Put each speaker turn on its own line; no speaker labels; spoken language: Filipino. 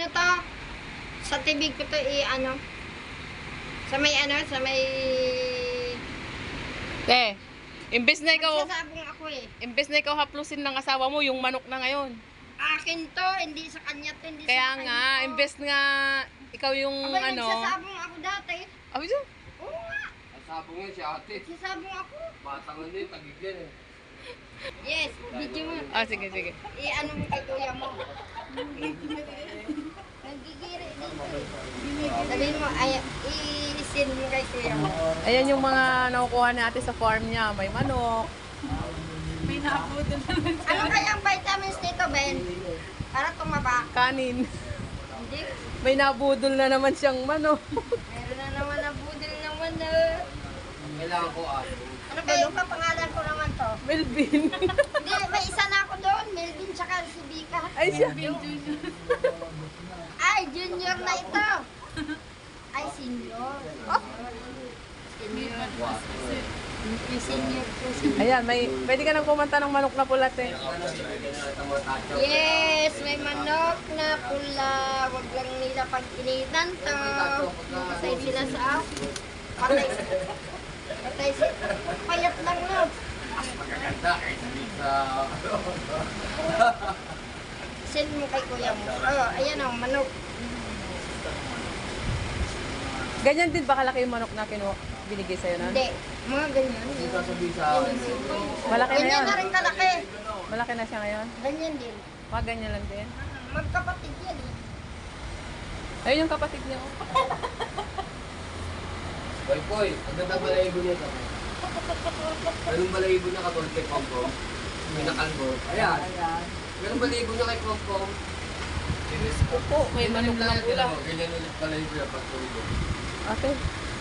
ano to? Sa tibig ko to ano? Sa may
Te, imbes na ikaw,
magsasabong ako eh.
imbes na ikaw haplusin ng asawa mo, yung manok na ngayon.
Akin to, hindi sa kanya to, hindi
Kaya
sa kanya
nga,
to.
imbes nga ikaw yung
Aba,
ano.
nagsasabong ako dati.
Abi siya?
Oo nga,
Sabong yan si ate.
nagsasabong ako.
Batang ano yun, tagigyan eh.
Yes, video mo.
Ah, sige, sige.
Ano mo kay kuya mo. Nagigiri dito eh. Sabihin mo, ay, i-send mo kay kuya mo.
Ayan yung mga nakukuha natin sa farm niya. May manok.
Ano kayang vitamins nito, Ben? Para tumaba.
Kanin.
Hindi.
May nabudol na naman siyang manok.
Meron na naman na budil naman na.
Kailangan ko ate.
Ano ba yung kapangalan ko naman to?
Melvin.
Hindi, may isa na ako doon. Melvin tsaka si Vika.
Ay siya.
Ay, junior na ito. Ay, senior. Senior. Yung senior ko, senior.
Ayan, pwede ka nang kumanta ng manok na pulat eh.
Yes, may manok na pula. Wag lang nila pagkinitan to. Patay sila sa ako. Patay sila. Payat lang no.
Magaganda kahit hindi sa...
Send mo kay kuya mo. Oh, ayan o, manok.
Ganyan din ba kalaki yung manok na binigay sa'yo na?
Hindi, mga ganyan.
Hindi sasabihin sa akin.
Malaki na
Ganyan
yun.
na rin kalaki.
Malaki na siya ngayon.
Ganyan din.
Mga ganyan lang din.
Magkapatid yan eh.
Ayun yung kapatid niya. Oh.
Boy, boy, ang ganda balayibo niya to. Ganun balayibo niya katulad kay Pompom. Pinakalbo. Ayan. Ganun balayibo niya kay Pompom.
Opo, may manok na pula.
Ganyan ulit balayibo niya pag tulog.
Okay.